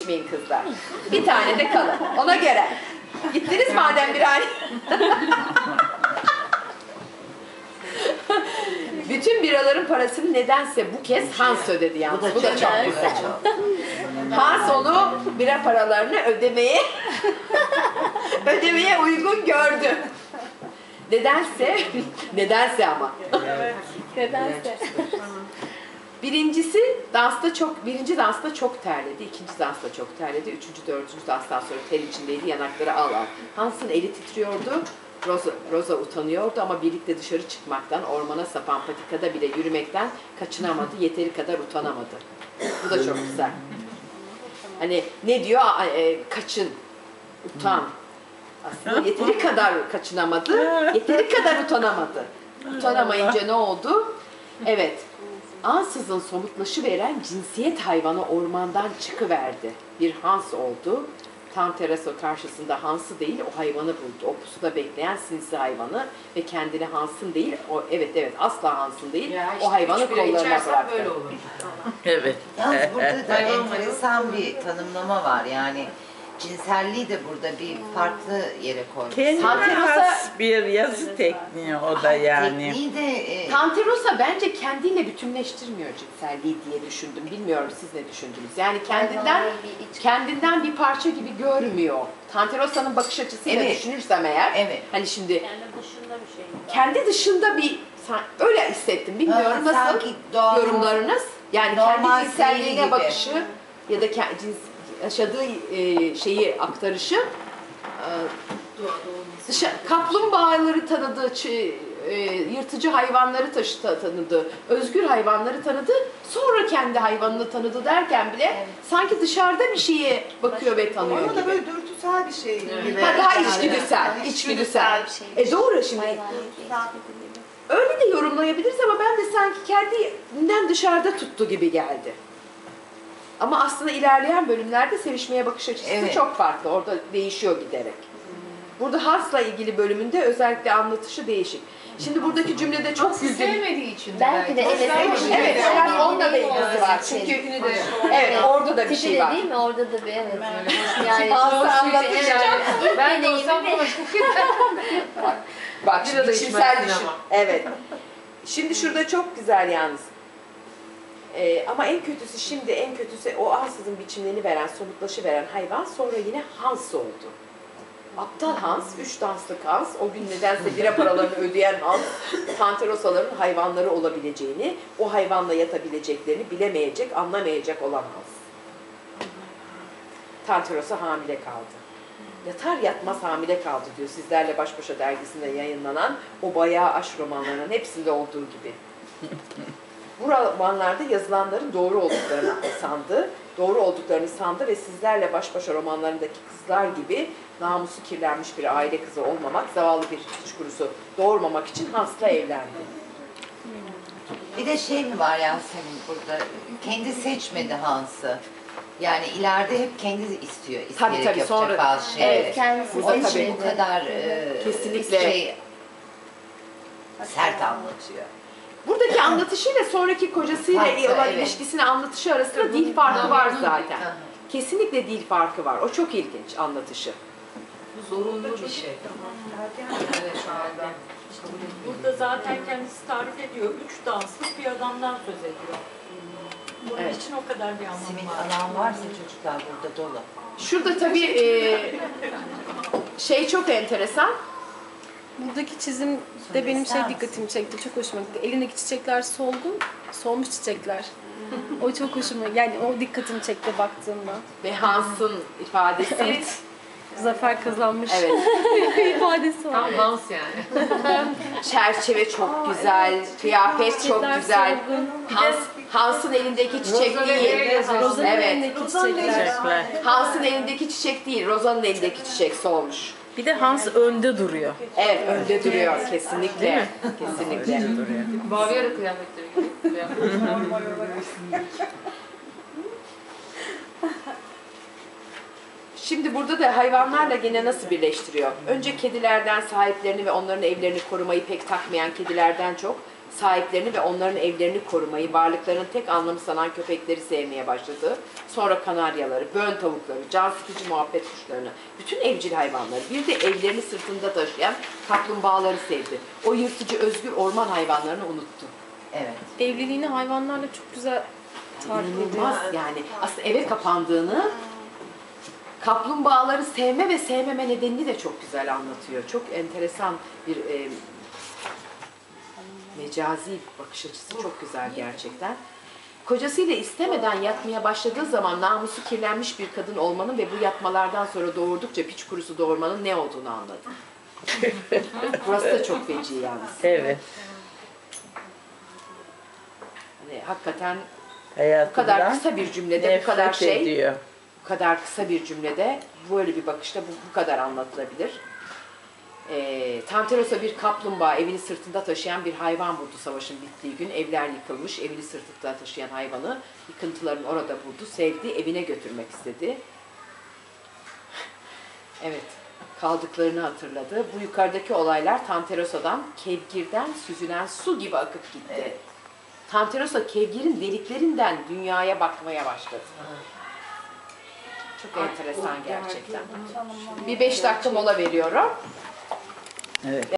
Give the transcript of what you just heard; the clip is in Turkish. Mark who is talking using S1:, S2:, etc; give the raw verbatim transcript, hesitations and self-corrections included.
S1: içmeyin kızlar. Bir tane de kalın. Ona göre. Gittiniz madem bir ay. Bütün biraların parasını nedense bu kez Hans ödedi yalnız. Bu da, bu da çok güzel. Hans onu bira paralarını ödemeye ödemeye uygun gördü. Nedense, nedense ama.
S2: Nedense.
S1: Birincisi dansta çok, birinci dansta çok terledi, ikinci dansta çok terledi, üçüncü, dördüncü danstan sonra ter içindeydi, yanakları al al. Hans'ın eli titriyordu, Rosa, Rosa utanıyordu ama birlikte dışarı çıkmaktan, ormana sapan patikada bile yürümekten kaçınamadı, yeteri kadar utanamadı. Bu da çok güzel. Hani ne diyor? E, kaçın, utan. Aslında yeteri kadar kaçınamadı, yeteri kadar utanamadı. Utanamayınca ne oldu? Evet, ansızın somutlaşıveren cinsiyet hayvanı ormandan çıkıverdi. Bir Hans oldu. Tam terasa karşısında Hans'ı değil, o hayvanı buldu. O pusuda bekleyen sinsi hayvanı ve kendini Hans'ın değil, o evet evet asla Hans'ın değil, ya işte o hayvanı kollarına bıraktı. Böyle olur.
S3: Evet.
S4: Yalnız burada da enteresan bir tanımlama var yani. Cinselliği de burada bir farklı yere koymuş.
S3: Kendine has bir yazı tekniği o da yani.
S4: Tekniği de... E...
S1: Tanterosa bence kendiyle bütünleştirmiyor cinselliği diye düşündüm. Bilmiyorum siz ne düşündünüz? Yani kendinden kendinden bir parça gibi görmüyor. Tanterosa'nın bakış açısıyla evet. düşünürsem eğer, evet. hani şimdi
S2: kendi dışında bir şey.
S1: Kendi dışında bir öyle hissettim. Bilmiyorum ha, nasıl yorumlarınız? Yani kendi cinselliğine bakışı ya da cins yaşadığı e, şeyi aktarışı e, dışa, kaplumbağaları tanıdı, e, yırtıcı hayvanları taşı, tanıdı, özgür hayvanları tanıdı, sonra kendi hayvanını tanıdı derken bile evet. sanki dışarıda bir şeye bakıyor ve tanıyor gibi.
S5: Ama da böyle dürtüsel bir şey gibi.
S1: Ha, daha içgüdüsel, yani, içgüdüsel. Bir şey. E doğru şimdi. Öyle de yorumlayabiliriz ama ben de sanki kendinden dışarıda tuttu gibi geldi. Ama aslında ilerleyen bölümlerde sevişmeye bakış açısı evet. çok farklı. Orada değişiyor giderek. Burada Hans'la ilgili bölümünde özellikle anlatışı değişik. Şimdi buradaki cümlede çok güldüm.
S5: Sevmediği için
S2: belki de evet.
S1: Evet, evet onunla da ilgisi var. Çünkü evet, orada da bir şey var.
S2: Değil mi? Orada da bir evet.
S1: Yani Hans'ı anlatacağım.
S2: Ben de olsam
S1: Bak, bak şimdi içimsel düşün. Evet. Şimdi şurada çok güzel yalnız. Ee, ama en kötüsü şimdi en kötüsü o ansızın biçimlerini veren, somutlaşıveren hayvan sonra yine Hans oldu. Aptal Hans, üç danslık Hans, o gün nedense bira paralarını ödeyen Hans, Tanterosaların hayvanları olabileceğini, o hayvanla yatabileceklerini bilemeyecek, anlamayacak olan Hans. Tanterosa hamile kaldı. Yatar yatmaz hamile kaldı diyor Sizlerle Baş Başa dergisinde yayınlanan o bayağı aşk romanlarının hepsinde olduğu gibi. Bu romanlarda yazılanların doğru olduklarını sandı, doğru olduklarını sandı ve Sizlerle Baş Başa romanlarındaki kızlar gibi namusu kirlenmiş bir aile kızı olmamak, zavallı bir hiç kurusu doğurmamak için Hans'la evlendi.
S4: Bir de şey mi var Yasemin burada, kendi seçmedi Hans'ı. Yani ileride hep kendi istiyor, isteyerek tabii, tabii, yapacak sonra, bazı şeyleri.
S2: Evet, kendisi
S4: o için bu kadar e,
S1: kesinlikle
S4: şey, sert anlatıyor.
S1: Buradaki anlatışıyla sonraki kocasıyla Farklı, olan evet. ilişkisini anlatışı arasında dil farkı var zaten. Kesinlikle dil farkı var. O çok ilginç anlatışı.
S5: Bu zorunlu bir şey. Evet, şu anda.
S6: Burada zaten kendisi tarif ediyor. Üç danslık bir adamdan söz ediyor. Bunun evet. için o kadar bir anlamı
S4: Simit
S6: var.
S4: alan varsa çocuklar burada dolu.
S1: Şurada tabii e, şey çok enteresan.
S7: Buradaki çizim de benim şey dikkatimi çekti, çok hoşuma gitti. Elindeki çiçekler solgun, solmuş çiçekler. O çok hoşuma, yani o dikkatimi çekti baktığımda.
S1: Ve Hans'ın ifadesi.
S7: Evet. Zafer kazanmış.
S1: Evet.
S7: ifadesi var.
S5: Tam Hans yani.
S1: Çerçeve çok güzel, evet. kıyafet çok güzel. Hans, Hans'ın elindeki çiçek
S5: Rosa
S1: değil.
S7: Roza'nın
S1: evet.
S7: elindeki çiçekler.
S1: Hans'ın elindeki çiçek değil, Roza'nın elindeki çiçek solmuş.
S3: Bir de Hans önde duruyor.
S1: Evet, önde duruyor kesinlikle. Kesinlikle.
S3: duruyor.
S5: Bavyera kıyafetleri gibi.
S1: Şimdi burada da hayvanlarla gene nasıl birleştiriyor? Önce kedilerden sahiplerini ve onların evlerini korumayı pek takmayan kedilerden çok sahiplerini ve onların evlerini korumayı, varlıklarının tek anlamı sanan köpekleri sevmeye başladı. Sonra kanaryaları, bön tavukları, can sıkıcı muhabbet kuşlarını, bütün evcil hayvanları, bir de evlerini sırtında taşıyan kaplumbağaları sevdi. O yırtıcı, özgür orman hayvanlarını unuttu.
S4: Evet.
S7: Evliliğini hayvanlarla çok güzel tarif ediyor.
S1: İnanılmaz yani. Aslında eve kapandığını, kaplumbağaları sevme ve sevmeme nedenini de çok güzel anlatıyor. Çok enteresan bir e, mecazi bir bakış açısı, çok güzel gerçekten. Kocasıyla istemeden yatmaya başladığı zaman namusu kirlenmiş bir kadın olmanın ve bu yatmalardan sonra doğurdukça piç kurusu doğurmanın ne olduğunu anladı. Burası da çok feci yalnız.
S3: Evet.
S1: Hani hakikaten bu
S3: Hayatından
S1: kadar kısa bir cümlede bu kadar
S3: nefret
S1: şey,
S3: ediyor.
S1: bu kadar kısa bir cümlede böyle bir bakışta bu, bu kadar anlatılabilir. E, Tanteros'a bir kaplumbağa evini sırtında taşıyan bir hayvan vurdu savaşın bittiği gün. Evler yıkılmış, evini sırtında taşıyan hayvanı yıkıntıların orada vurdu, sevdi, evine götürmek istedi. Evet, kaldıklarını hatırladı. Bu yukarıdaki olaylar Tanterosa'dan, kevgirden süzülen su gibi akıp gitti.
S4: Evet.
S1: Tanterosa kevgirin deliklerinden dünyaya bakmaya başladı. Çok enteresan gerçekten. Bir beş dakika mola veriyorum.
S3: Evet.